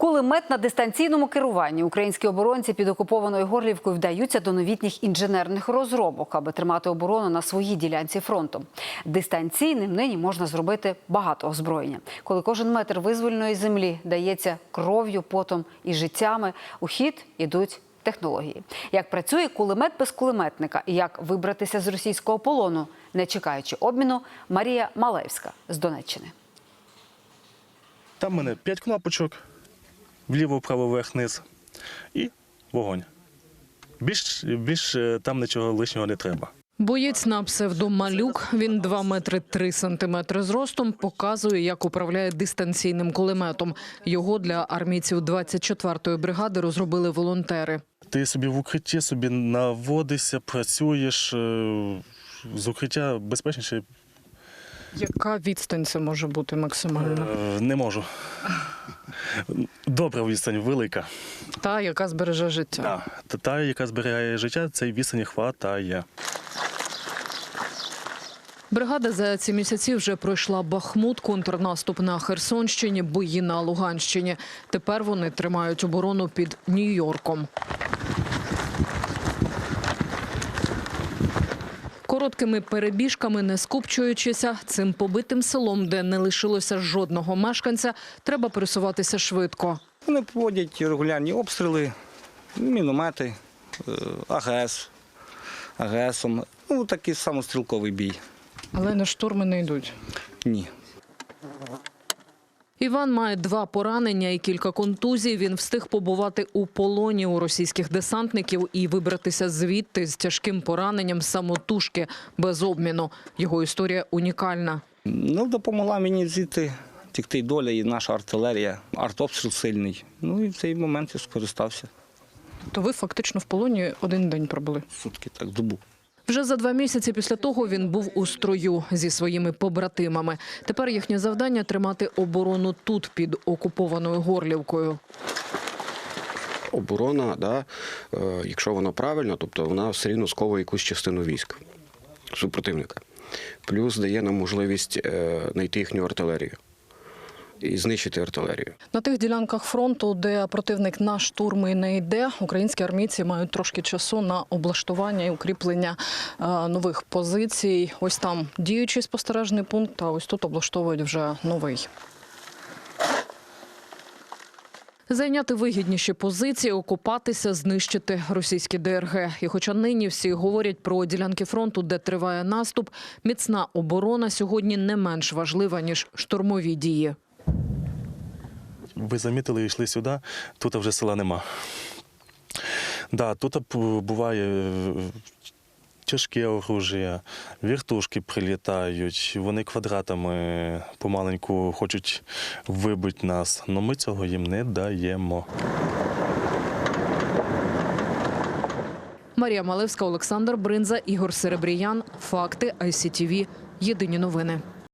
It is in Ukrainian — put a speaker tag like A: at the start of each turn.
A: Кулемет на дистанційному керуванні. Українські оборонці під окупованою Горлівкою вдаються до новітніх інженерних розробок, аби тримати оборону на своїй ділянці фронту. Дистанційним нині можна зробити багато озброєння. Коли кожен метр визвольної землі дається кров'ю, потом і життями, у хід ідуть технології. Як працює кулемет без кулеметника і як вибратися з російського полону, не чекаючи обміну, Марія Малевська з Донеччини.
B: Там в мене 5 кнопочок. Вліво, вправо, вверх, низ і вогонь. Більш там нічого лишнього не треба.
C: Боєць на псевдо Малюк, він 2 метри 3 сантиметри зростом, показує, як управляє дистанційним кулеметом. Його для армійців 24-ї бригади розробили волонтери.
B: Ти собі в укритті собі наводишся, працюєш, з укриття безпечніше.
C: Яка відстань це може бути максимально?
B: Не можу. Добра відстань, велика.
C: Та, яка збереже життя.
B: Та, яка зберігає життя, цей відстані хватає.
C: Бригада за ці місяці вже пройшла Бахмут, контрнаступ на Херсонщині, бої на Луганщині. Тепер вони тримають оборону під Нью-Йорком. Короткими перебіжками, не скупчуючися, цим побитим селом, де не лишилося жодного мешканця, треба пересуватися швидко.
D: Вони проводять регулярні обстріли, міномети, АГСом. Такий самострілковий бій.
C: Але на штурми не йдуть?
D: Ні.
C: Іван має 2 поранення і кілька контузій. Він встиг побувати у полоні у російських десантників і вибратися звідти з тяжким пораненням самотужки, без обміну. Його історія унікальна.
D: Допомогла мені звідти тікти доля і наша артилерія. Артобстріл сильний. І в цей момент я скористався.
C: То ви фактично в полоні 1 день пробули?
D: Сутки, так, добу.
C: Вже за 2 місяці після того він був у строю зі своїми побратимами. Тепер їхнє завдання – тримати оборону тут, під окупованою Горлівкою.
E: Оборона, якщо вона правильна, тобто вона все рівно сковує якусь частину військ супротивника. Плюс дає нам можливість знайти їхню артилерію і знищити артилерію.
C: На тих ділянках фронту, де противник на штурми не йде, українські армійці мають трошки часу на облаштування і укріплення нових позицій. Ось там діючий спостережний пункт, а ось тут облаштовують вже новий. Зайняти вигідніші позиції, окупатися, знищити російські ДРГ. І хоча нині всі говорять про ділянки фронту, де триває наступ, міцна оборона сьогодні не менш важлива, ніж штурмові дії.
B: Ви замітили, йшли сюди, тут вже села нема. Тут буває тяжке оружие, вертушки прилітають, вони квадратами помаленьку хочуть вибити нас, але ми цього їм не даємо.
C: Марія Малевська, Олександр Бринза, Ігор Серебріян. Факти ICTV. Єдині новини.